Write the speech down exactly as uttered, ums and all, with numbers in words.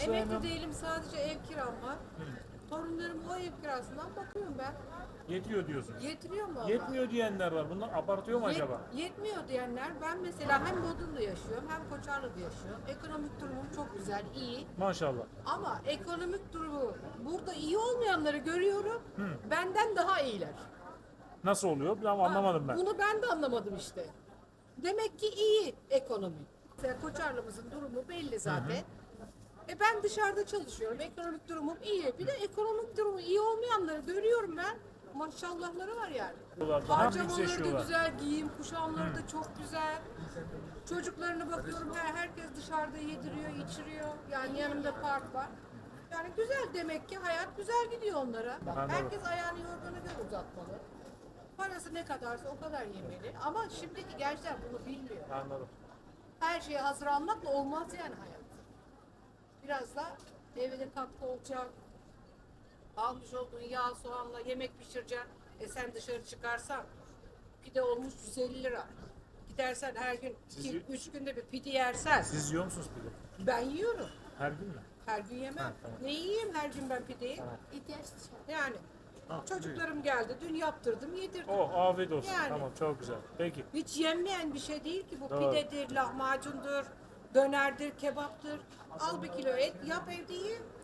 Emekli memnun. değilim, sadece ev kiram var. Torunlarım o ev kirasından bakıyorum ben. Yetiyor diyorsun. Yetiriyor mu Allah? Yetmiyor diyenler var. Bunlar abartıyor mu Yet- acaba? Yetmiyor diyenler, ben mesela hem Bodrum'da yaşıyorum hem Koçarlı'da yaşıyorum. Ekonomik durumum çok güzel, iyi. Maşallah. Ama ekonomik durumu burada iyi olmayanları görüyorum. Benden daha iyiler. Nasıl oluyor? Ben anlamadım ben. Bunu ben de anlamadım işte. Demek ki iyi ekonomi. Mesela Koçarlı'mızın durumu belli zaten. E ben dışarıda çalışıyorum. Ekonomik durumum iyi. Bir de ekonomik durumu iyi olmayanları görüyorum ben. Maşallahları var yani. Daha Harcamaları da yükseşiyorlar. güzel, giyim kuşamları da çok güzel. Çocuklarına bakıyorum, her herkes dışarıda yediriyor, içiriyor. Yani yanımda park var. Yani güzel, demek ki hayat güzel gidiyor onlara. Anladım. Herkes ayağını yorganı göre uzatmalı. Parası ne kadarsa o kadar yemeli. Ama şimdiki gençler bunu bilmiyor. Anladım. Her şeyi hazır almakla olmaz yani hayat. Biraz da evde katkı olacak. Almış olduğun yağ, soğanla yemek pişireceksin. E sen dışarı çıkarsan pide olmuş yüz elli lira. Gidersen her gün Siz- iki, üç günde bir pide yersen. Siz yiyor musunuz pide? Ben yiyorum. Her gün mü? Her gün yemem. Ha, tamam. Ne yiyeyim her gün ben pideyi? İhtiyaç dışı. Yani çocuklarım geldi. Dün yaptırdım, yedirdim. Oh, afiyet olsun. Yani. Tamam, çok güzel. Peki. Hiç yenmeyen bir şey değil ki bu. Doğru. Pidedir, lahmacundur, dönerdir, kebaptır. Al bir kilo et, yap evde ye.